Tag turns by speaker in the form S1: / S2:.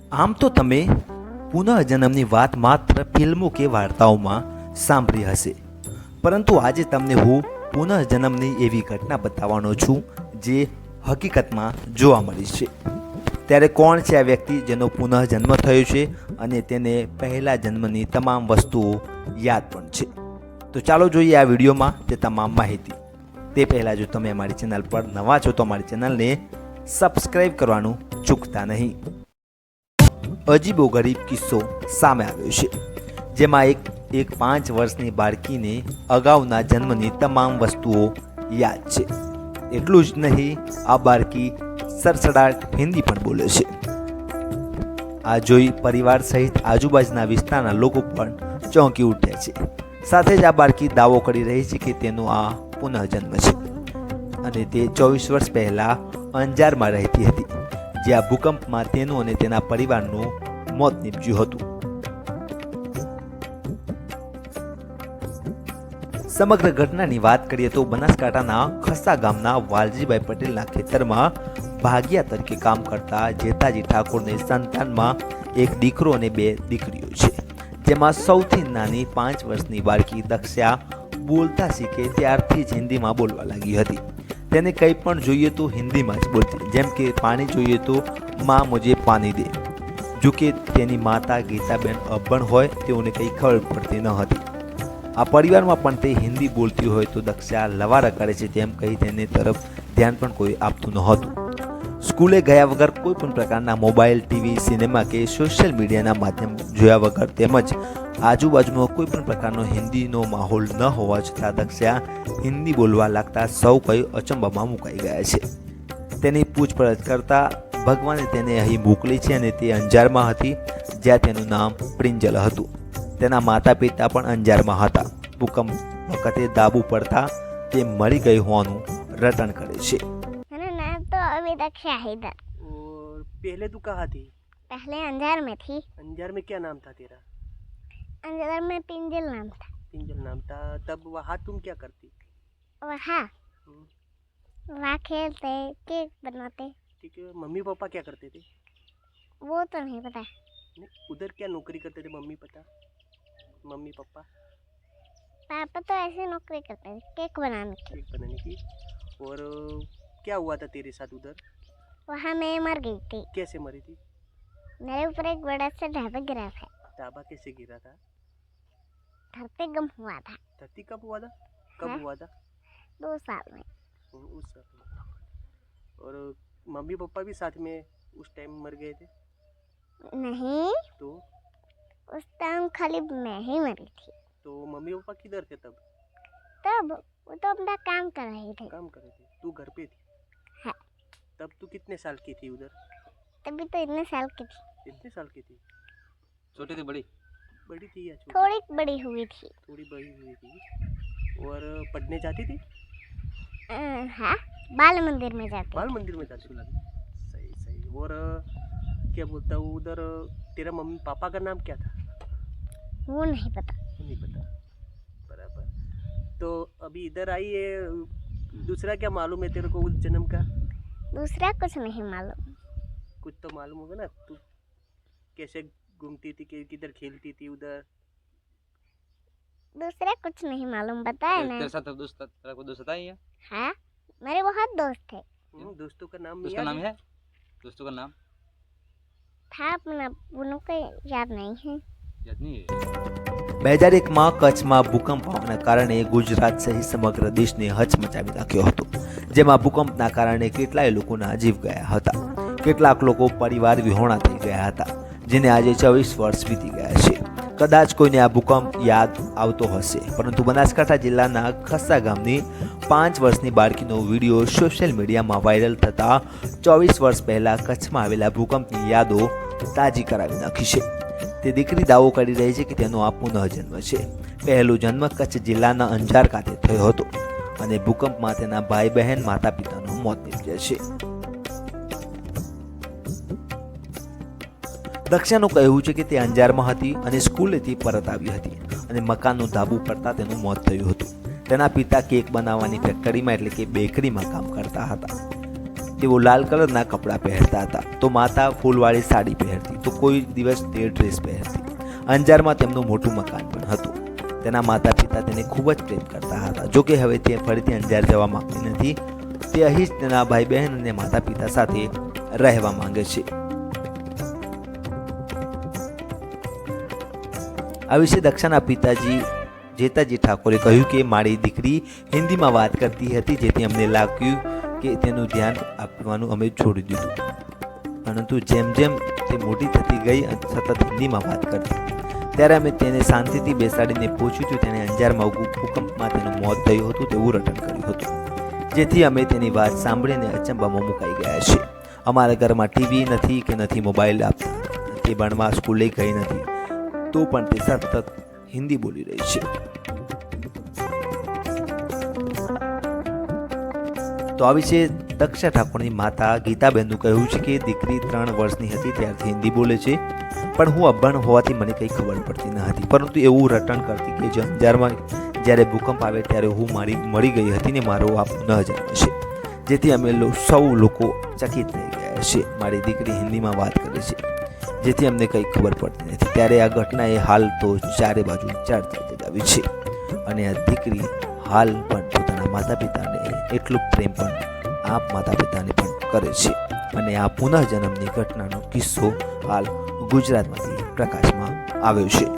S1: આમ તો તમે પુનઃજન્મની વાત માત્ર ફિલ્મો કે વાર્તાઓમાં સાંભળી હશે, પરંતુ આજે તમને હું પુનઃજન્મની એવી ઘટના બતાવવાનો છું જે હકીકતમાં જોવા મળી છે. ત્યારે કોણ છે આ વ્યક્તિ જેનો પુનઃજન્મ થયો છે અને તેને પહેલા જન્મની તમામ વસ્તુઓ યાદ પણ છે? તો ચાલો જોઈએ આ વિડીયોમાં તે તમામ માહિતી. તે પહેલાં જો તમે અમારી ચેનલ પર નવા છો તો અમારી ચેનલને સબસ્ક્રાઈબ કરવાનું ચૂકતા નહીં. અજીબો ગરીબ કિસ્સો સામે આવ્યો છે, જેમાં એક 5 વર્ષની બાળકીને અગાઉના જન્મની તમામ વસ્તુઓ યાદ છે. એટલું જ નહીં, આ બાળકી સરસડાટ હિન્દી પણ બોલે છે. આ જોઈ પરિવાર સહિત આજુબાજુના વિસ્તારના લોકો પણ ચોંકી ઉઠ્યા છે. સાથે જ આ બાળકી દાવો કરી રહી છે કે તેનો આ પુનઃજન્મ છે અને તે 24 વર્ષ પહેલા અંજારમાં રહેતી હતી, જ્યાં ભૂકંપમાં તેનું અને તેના પરિવારનું મોત નીપજ્યું હતું. સમગ્ર ઘટનાની વાત કરીએ તો બનાસકાંઠાના ખસ્સા ગામના વાલજીભાઈ પટેલના ખેતરમાં ભાગિયા તરીકે કામ કરતા જેતાજી ઠાકોરને સંતાનમાં એક દીકરો અને 2 દીકરીઓ છે, જેમાં સૌથી નાની 5 વર્ષની બાળકી દક્ષા બોલતા શીખે ત્યારથી જ હિન્દીમાં બોલવા લાગી હતી. તેને કંઈ પણ જોઈએ તો હિન્દીમાં જ બોલતી, જેમ કે પાણી જોઈએ તો માં મુજે પાણી દે. જો કે તેની માતા ગીતાબેન અભણ હોય તેઓને કંઈ ખબર પડતી ન હતી. આ પરિવારમાં પણ તે હિન્દી બોલતી હોય તો દક્ષા લવારા કરે છે તેમ કહી તેને તરફ ધ્યાન પણ કોઈ આપતું નહોતું. સ્કૂલે ગયા વગર કોઈ પણ પ્રકારના મોબાઈલ, ટીવી, સિનેમા કે સોશિયલ મીડિયાના માધ્યમ જોયા વગર તેમજ આજુબાજુમાં કોઈ પણ પ્રકારનો હિન્દીનો માહોલ ન હોવા છતાં દક્ષા હિન્દી બોલવા લાગતા સૌ કોઈ અચંબામાં મુકાઈ ગયા છે. તેની પૂછપરછ કરતા ભગવાને તેને અહીં મોકલી છે અને તે અંજારમાં હતી, જ્યાં તેનું નામ પ્રિંજલ હતું. તેના માતા પિતા પણ અંજારમાં હતા. ભૂકંપ વખતે દાબુ પડતા તે મરી ગઈ હોવાનું રટણ કરે છે.
S2: मेरा नाम तो अभी तक शाहिद है।
S3: और पहले तू कहाँ थी?
S2: पहले अंजार में थी।
S3: अंजार में क्या नाम था तेरा?
S2: अंजार में पिंजल नाम था।
S3: पिंजल नाम था. तब वहाँ तुम क्या करती?
S2: वहाँ वहाँ खेलते, केक बनाते।
S3: ठीक है. मम्मी पापा क्या करते थे?
S2: वो तो नहीं पता।
S3: नहीं, उधर क्या नौकरी करते थे मम्मी पापा? मम्मी पापा
S2: पापा तो ऐसे नौकरी करते थे, केक बनाने की।
S3: केक बनाने की. और क्या हुआ था तेरे साथ उधर?
S2: वहाँ मैं मर गई थी।
S3: कैसे मरी थी?
S2: मेरे ऊपर एक बड़ा सा ढाबा गिरा था।
S3: ढाबा कैसे गिरा था?
S2: धरती गम हुआ था।
S3: धरती कब हुआ था? कब
S2: हाँ?
S3: हुआ था?
S2: 2 साल में।
S3: उस साल में. और मम्मी पापा भी साथ में उस टाइम मर गए थे?
S2: नहीं,
S3: तो
S2: उस टाइम खाली मैं ही मरी थी।
S3: तो मम्मी पापा किधर थे तब?
S2: तब वो तो अपना काम कर रहे थे।
S3: काम कर रहे थे. तू घर पे थी?
S2: हाँ।
S3: तब तू कितने साल की थी उधर?
S2: तभी तो इतने साल की थी।
S3: कितने साल की थी?
S4: छोटी थी बड़ी?
S3: बड़ी थी या छोटी?
S2: थोड़ी बड़ी हुई थी।
S3: थोड़ी बड़ी हुई थी. और पढ़ने जाती थी?
S2: हाँ, बाल मंदिर में जाते।
S3: बाल मंदिर में जाती थी. सही सही. और क्या बोलता हूँ, उधर तेरा मम्मी पापा का नाम क्या था?
S2: वो नहीं पता।
S3: नहीं पता. बराबर. तो अभी इधर आई है, दूसरा क्या मालूम है तेरे को उस जन्म का?
S2: दूसरा कुछ नहीं मालूम।
S3: कुछ तो मालूम होगा ना. तू कैसे घूमती थी, किधर खेलती थी उधर?
S2: दूसरा कुछ नहीं मालूम, बताया ना।
S4: तेरे साथ तेरा कोई दोस्त है?
S2: हाँ, मेरे बहुत दोस्त थे।
S3: दोस्तों का नाम
S4: उसका नाम है? दोस्तों का नाम
S2: था अपना, उनको याद नहीं है।
S4: याद नहीं है.
S1: 2001માં કચ્છમાં ભૂકંપ આવવાના કારણે ગુજરાત સહિત સમગ્ર દેશને હચમચાવી નાખ્યો હતો, જેમાં ભૂકંપના કારણે કેટલાય લોકોના જીવ ગયા હતા. કેટલાક લોકો પરિવાર વિહોણા થઈ ગયા હતા, જેને આજે 24 વર્ષ વીતી ગયા છે. કદાચ કોઈને આ ભૂકંપ યાદ આવતો હશે, પરંતુ બનાસકાંઠા જિલ્લાના ખસ્સા ગામની 5 વર્ષની બાળકીનો વિડીયો સોશિયલ મીડિયામાં વાયરલ થતા 24 વર્ષ પહેલા કચ્છમાં આવેલા ભૂકંપની યાદો તાજી કરાવી નાખી છે. તે દીકરી દાવો કરી રહી છે કે તેનો આ પુનઃજન્મ છે. પહેલો જન્મ કચ્છ જિલ્લાના અંજાર ખાતે થયો હતો અને ભૂકંપમાં તેના ભાઈ બહેન માતા પિતાનું મોત નીપજ્યા છે. દક્ષાનું કહેવું છે કે તે અંજારમાં હતી અને સ્કૂલેથી પરત આવી હતી અને મકાનનું ધાબુ પડતા તેનું મોત થયું હતું. તેના પિતા કેક બનાવવાની ફેક્ટરીમાં એટલે કે બેકરીમાં કામ કરતા હતા. તેઓ લાલ કલરના કપડાં પહેરતા હતા, તો માતા ફૂલવાળી સાડી પહેરતી, તો કોઈ દિવસ તે ડ્રેસ પહેરતી. અંજારમાં તેમનું મોટું મકાન પણ હતું. તેના માતા પિતા તેને ખૂબ જ પ્રેમ કરતા હતા. જોકે હવે તે ફરીથી અંજાર જવા માંગતી નથી. તે અહીં જ તેના ભાઈ બહેન અને માતા પિતા સાથે રહેવા માંગે છે. આ વિશે દક્ષાના પિતાજી જેતાજી ઠાકોરે કહ્યું કે મારી દીકરી હિન્દીમાં વાત કરતી હતી, જેથી અમને લાગ્યું કે તેનું ધ્યાન આપવાનું અમે છોડી દીધું. પરંતુ જેમ જેમ તે મોટી થતી ગઈ અને સતત હિન્દીમાં વાત કરતી, ત્યારે અમે તેને શાંતિથી બેસાડીને પૂછ્યું હતું. તેણે અંજારમાં ભૂકંપમાં તેનું મોત થયું હતું તેવું રટણ કર્યું હતું, જેથી અમે તેની વાત સાંભળીને અચંબામાં મુકાઈ ગયા છે. અમારા ઘરમાં ટીવી નથી કે નથી મોબાઈલ આપતા. તે ભણવા સ્કૂલે ગઈ નથી, તો પણ તે સતત હિન્દી બોલી રહી છે. તો આ વિશે દક્ષા ઠાકોરની માતા ગીતાબેનનું કહેવું છે કે દીકરી 3 વર્ષની હતી ત્યારથી હિન્દી બોલે છે, પણ હું અભણ હોવાથી મને કંઈ ખબર પડતી ન હતી, પરંતુ એવું રટણ કરતી કે જે અંજારમાં જ્યારે ભૂકંપ આવે ત્યારે હું મળી ગઈ હતી ને મારો આપ ન જાણે છે, જેથી અમે સૌ લોકો ચકિત થઈ ગયા છે. મારી દીકરી હિન્દીમાં વાત કરે છે, જેથી અમને કંઈ ખબર પડતી નથી. ત્યારે આ ઘટનાએ હાલ તો ચારે બાજુ ચર્ચા જગાવી છે, અને આ દીકરી હાલ પણ પોતાના માતા પિતાને એટલું પ્રેમ પણ આ માતા પિતાને પણ કરે છે. અને આ પુનઃજન્મની ઘટનાનો કિસ્સો હાલ ગુજરાતમાંથી પ્રકાશમાં આવ્યો છે.